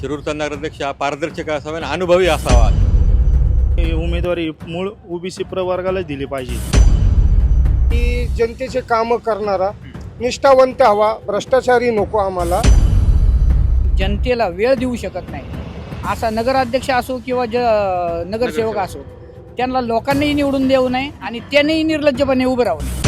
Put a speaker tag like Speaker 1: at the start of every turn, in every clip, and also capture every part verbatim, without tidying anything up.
Speaker 1: शिरूरचा नगराध्यक्ष हा पारदर्शक असावा आणि अनुभवी असावा.
Speaker 2: ही उमेदवारी मूळ ओबीसी प्रवर्गालाच दिली पाहिजे.
Speaker 3: की जनतेचे कामं करणारा निष्ठावंत हवा, भ्रष्टाचारी नको आम्हाला.
Speaker 4: जनतेला वेळ देऊ शकत नाही असा नगराध्यक्ष असो किंवा ज नगरसेवक असो, त्यांना लोकांनाही निवडून देऊ नये आणि त्यांनीही निर्लज्जपणे उभं राहू नये.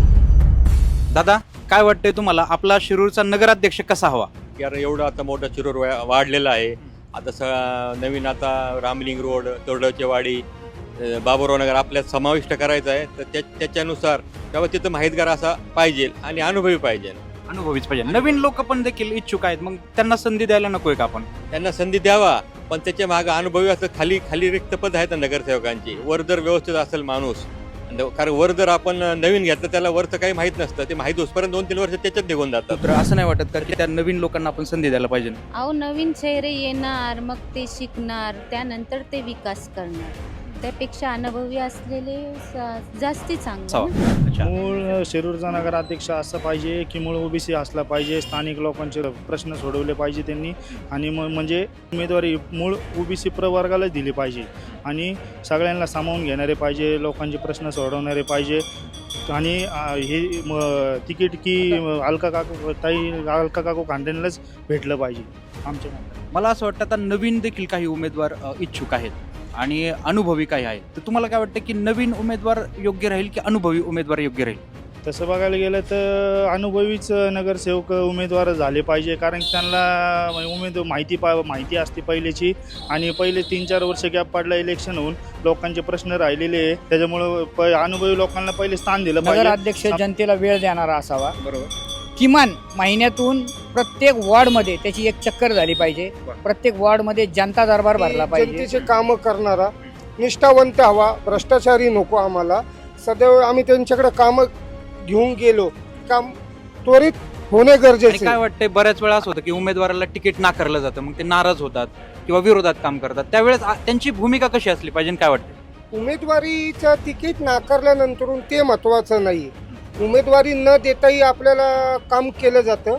Speaker 5: दादा, काय वाटतंय तुम्हाला, आपला शिरूरचा नगराध्यक्ष कसा हवा?
Speaker 1: कारण एवढं आता मोठा शिरूर वा- वाढलेला आहे. आता स नवीन आता रामलिंग रोड, तोरडवची वाडी, अ, बाबुराव नगर आपल्यात समाविष्ट करायचं आहे. तर त्या त्याच्यानुसार तेव्हा तिथं माहितगार असा पाहिजे आणि अनुभवी पाहिजे.
Speaker 5: अनुभवीच पाहिजे. नवीन लोक पण देखील इच्छुक आहेत, मग त्यांना संधी द्यायला नकोय का आपण?
Speaker 1: त्यांना संधी द्यावा, पण त्याच्या मागं अनुभवी असं खाली खाली रिक्त पद आहेत ना नगरसेवकांची. वर जर व्यवस्थित असेल माणूस, कारण वर जर आपण नवीन घेतलं त्याला वरचं काही माहीत नसतं. ते माहीत होसपर्यंत दोन तीन वर्ष त्याच्यात निघून जातात.
Speaker 5: तर असं नाही वाटत का की त्या नवीन लोकांना आपण संधी द्यायला पाहिजे?
Speaker 6: अहो, नवीन चेहरे येणार, मग ते शिकणार, त्यानंतर ते विकास करणार. त्यापेक्षा अनुभवी असलेले स- जास्ती चांगलं ना.
Speaker 5: अच्छा.
Speaker 2: मूळ शिरूरचा नगराध्यक्ष असं पाहिजे की मूळ ओबीसी असला पाहिजे. स्थानिक लोकांचे प्रश्न सोडवले पाहिजे त्यांनी, आणि म म्हणजे उमेदवारी मूळ ओबीसी प्रवर्गालाच दिली पाहिजे आणि सगळ्यांना सामावून घेणारे पाहिजे, लोकांचे प्रश्न सोडवणारे पाहिजे. आणि अ, हे म, तिकीट की अलका काकू ताई अलका काकू खांडेंनाच भेटलं पाहिजे आमच्या मते.
Speaker 5: मला असं वाटतं आता नवीन देखील काही उमेदवार अ, इच्छुक आहेत आणि अनुभवी काही आहेत. तर तुम्हाला काय वाटतं की नवीन उमेदवार योग्य राहील की अनुभवी उमेदवार योग्य राहील?
Speaker 2: तसं बघायला गेलं तर अनुभवीच नगरसेवक उमेदवार झाले पाहिजे, कारण त्यांना उमेद माहिती पा माहिती असते पहिल्याची, आणि पहिले तीन चार वर्ष गॅप पडला इलेक्शन होऊन, लोकांचे प्रश्न राहिलेले आहे. त्याच्यामुळं प अनुभवी लोकांना पहिले स्थान दिलं पाहिजे.
Speaker 4: नगराध्यक्ष जनतेला वेळ देणारा असावा.
Speaker 5: बरोबर.
Speaker 4: किमान महिन्यातून प्रत्येक वॉर्डमध्ये त्याची एक चक्कर झाली पाहिजे. प्रत्येक वॉर्डमध्ये जनता दरबार भरला पाहिजे.
Speaker 3: जनतेचे कामं करणारा निष्ठावंत हवा, भ्रष्टाचारी नको आम्हाला. सदैव आम्ही त्यांच्याकडे कामं घेऊन गेलो, काम त्वरित होणे
Speaker 5: आणि
Speaker 3: गरजेचे.
Speaker 5: काय वाटतंय, बऱ्याच वेळा असं होतं की उमेदवाराला तिकीट नाकारलं जातं, मग ते नाराज होतात किंवा विरोधात काम करतात. त्यावेळेस आ- त्यांची भूमिका कशी असली पाहिजे, काय वाटतं?
Speaker 3: उमेदवारीचं तिकीट नाकारल्यानंतर ते महत्त्वाचं नाही. उमेदवारी न देताही आपल्याला काम केलं जातं.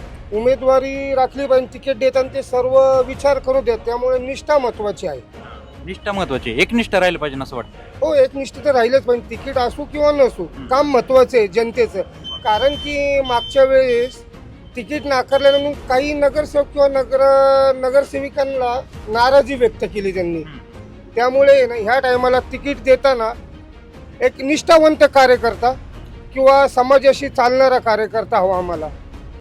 Speaker 3: उमेदवारी राखली पाहिजे, तिकीट देताना ते सर्व विचार करू देत. त्यामुळे निष्ठा महत्त्वाची आहे.
Speaker 5: निष्ठा महत्वाची, एकनिष्ठ राहिलं पाहिजे असं वाटतं.
Speaker 3: हो, एकनिष्ठ तर राहिलंच पाहिजे. तिकीट असू किंवा नसू, काम महत्त्वाचं आहे जनतेचं. कारण की मागच्या वेळेस तिकीट नाकारल्यानंतर काही नगरसेवक किंवा नगर नगरसेविकांना नाराजी व्यक्त केली त्यांनी. त्यामुळे ना ह्या टायमाला तिकीट देताना एक निष्ठावंत कार्यकर्ता किंवा समाजाशी चालणारा कार्यकर्ता हवा आम्हाला.